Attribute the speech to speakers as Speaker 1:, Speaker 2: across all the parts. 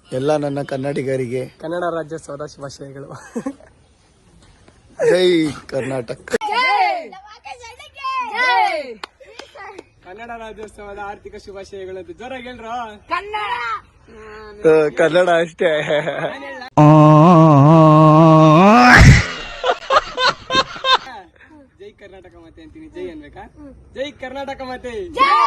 Speaker 1: ಎಲ್ಲ ನನ್ನ ಕನ್ನಡಿಗರಿಗೆ
Speaker 2: ಕನ್ನಡ ರಾಜ್ಯೋತ್ಸವದ ಶುಭಾಶಯಗಳು.
Speaker 1: ಜೈ ಕರ್ನಾಟಕ.
Speaker 2: ಕನ್ನಡ ರಾಜ್ಯೋತ್ಸವದ ಆರ್ಥಿಕ ಶುಭಾಶಯಗಳು ಅಂತ ಜೋರಾಗಿ ಹೇಳ್ರ.
Speaker 1: ಕನ್ನಡ ಅಷ್ಟೇ.
Speaker 2: ಜೈ ಕರ್ನಾಟಕ ಮಾತೆ ಅಂತೀನಿ. ಜೈ ಅನ್ಬೇಕಾ? ಜೈ ಕರ್ನಾಟಕ ಮಾತೆ.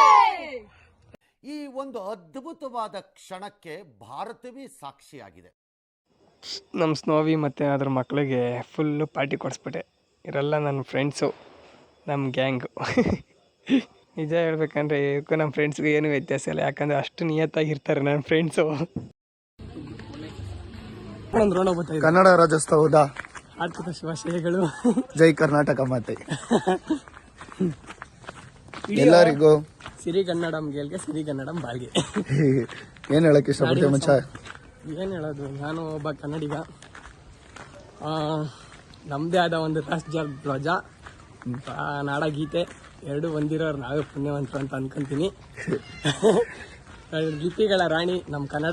Speaker 3: ಈ ಒಂದು ಅದ್ಭುತವಾದ ಕ್ಷಣಕ್ಕೆ ಭಾರತವೇ ಸಾಕ್ಷಿಯಾಗಿದೆ.
Speaker 2: ನಮ್ಮ ಸ್ನೋವಿ ಮತ್ತು ಅದ್ರ ಮಕ್ಕಳಿಗೆ ಫುಲ್ಲು ಪಾರ್ಟಿ ಕೊಡಿಸ್ಬಿಟ್ಟೆ. ಇವರೆಲ್ಲ ನನ್ನ ಫ್ರೆಂಡ್ಸು, ನಮ್ಮ ಗ್ಯಾಂಗು. ನಿಜ ಹೇಳ್ಬೇಕಂದ್ರೆ ಇವಕ್ಕೂ ನಮ್ಮ ಫ್ರೆಂಡ್ಸ್ಗೂ ಏನೂ ವ್ಯತ್ಯಾಸ ಇಲ್ಲ, ಯಾಕಂದರೆ ಅಷ್ಟು ನಿಯತ್ತಾಗಿರ್ತಾರೆ ನನ್ನ ಫ್ರೆಂಡ್ಸು.
Speaker 1: ಕನ್ನಡ ರಾಜ್ಯೋತ್ಸವದ
Speaker 2: ಆರ್ಥಿಕ ಶುಭಾಶಯಗಳು.
Speaker 1: ಜೈ ಕರ್ನಾಟಕ ಮಾತೆ. ಎಲ್ಲರಿಗೂ
Speaker 2: ಸಿರಿಗನ್ನಡಂ ಗೆಲ್ಗೆ ಸಿರಿಗನ್ನಡಂ ಬಾಳ್ಗೆ.
Speaker 1: ಏನ್ ಹೇಳಕ್ ಇಷ್ಟಪಡ್ತೀವಿ ಮಚ್ಚ?
Speaker 2: ಏನು ಹೇಳೋದು, ನಾನು ಒಬ್ಬ ಕನ್ನಡಿಗ. ನಮ್ಮದೇ ಆದ ಒಂದು ರಾಷ್ಟ್ರ ಧ್ವಜ, ನಾಡಗೀತೆ ಎರಡು ಹೊಂದಿರೋರು ನಾವೇ ಪುಣ್ಯವಂತರು ಅಂತ ಅನ್ಕೊಂತೀನಿ. ಲಿಪಿಗಳ ರಾಣಿ ನಮ್ಮ ಕನ್ನಡ.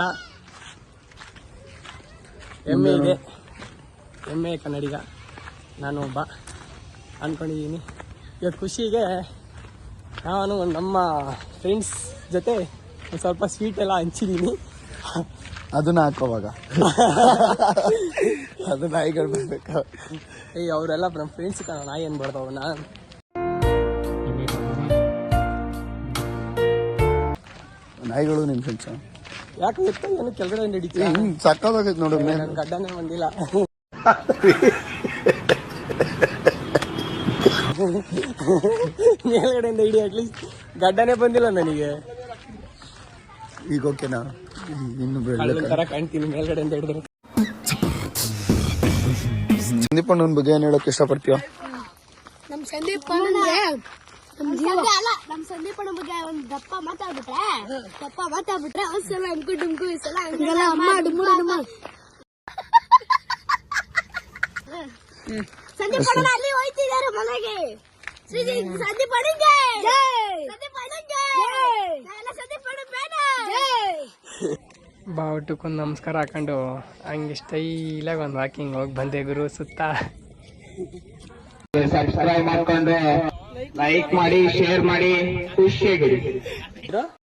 Speaker 2: ಹೆಮ್ಮೆ ಇದೆ, ಹೆಮ್ಮೆ ಕನ್ನಡಿಗ ನಾನು ಒಬ್ಬ ಅಂದ್ಕೊಂಡಿದ್ದೀನಿ. ಈಗ ಖುಷಿಗೆ ನಾನು ನಮ್ಮ ಫ್ರೆಂಡ್ಸ್ ಜೊತೆ ಒಂದು ಸ್ವಲ್ಪ ಸ್ವೀಟ್ ಎಲ್ಲ ಹಂಚಿದ್ದೀನಿ.
Speaker 1: ಅದನ್ನ ಹಾಕೋವಾಗ ಅದು ನಾಯಿಗಳು ಬರ್ಬೇಕು.
Speaker 2: ಅವರೆಲ್ಲ ನಮ್ಮ ಫ್ರೆಂಡ್ಸ್ ನಾಯಿ ಅನ್ಬಾರ್ದು ಅವನ್ನ.
Speaker 1: ನಾಯಿಗಳು ನಿಮ್ ಫ್ರೆಂಡ್ಸ್
Speaker 2: ಯಾಕೆ ಗೊತ್ತಾ, ಏನು ಕೆಳಗಡೆ ನಡೀತೀವಿ.
Speaker 1: ಸಕ್ಕದಾಗೈತೆ ನೋಡು.
Speaker 2: ನನ್ನ ಗಡ್ಡನೇ ಬಂದಿಲ್ಲ. ಮೇಲ್ಗಡೆಯಿಂದ ಹಿಡಿ, ಅಟ್ಲೀಸ್ಟ್ ಗಡ್ಡನೇ ಬಂದಿಲ್ಲ ನನಗೆ.
Speaker 1: ಈಗ ಓಕೆನಾ? ಇನ್ನು
Speaker 2: ತರ ಕಾಣ್ತೀನಿ ಮೇಲ್ಗಡೆಯಿಂದ ಹಿಡಿದ್ರೆ.
Speaker 1: ಸಂದೀಪ್ ಅಣ್ಣನ ಬಗ್ಗೆ ಏನ್ ಹೇಳಕ್ ಇಷ್ಟಪಡ್ತೀವ?
Speaker 4: ನಮ್ ಸಂದೀಪ್ ಅಣ್ಣ ಬಗ್ಗೆ ಒಂದ್ ದಪ್ಪ ಮಾತಾಡ್ಬಿಟ್ರೆ ಒಂದ್ಸಲ ಅಂಕು ಡುಮ್ಕು ಈ ಸಲ ಸಂದೀಪ್ ಅಣ್ಣ ಅಲ್ಲಿ ಹೋಯ್ತಿದ್ದಾರೆ ಮನೆಗೆ. ಸಂದೀಪ್ ಅಣ್ಣಂಗೆ
Speaker 2: ಬಾವುಟಕ್ಕೊಂದು ನಮಸ್ಕಾರ ಹಾಕೊಂಡು ಹಂಗೆ ಸ್ಟೈಲಾಗಿ ಒಂದು ವಾಕಿಂಗ್ ಹೋಗಿ ಬಂದೆ ಗುರು ಸುತ್ತ.
Speaker 5: ಸಬ್ಸ್ಕ್ರೈಬ್ ಮಾಡ್ಕೊಂಡು ಲೈಕ್ ಮಾಡಿ, ಶೇರ್ ಮಾಡಿ, ಖುಷಿಯಾಗಿರಿ.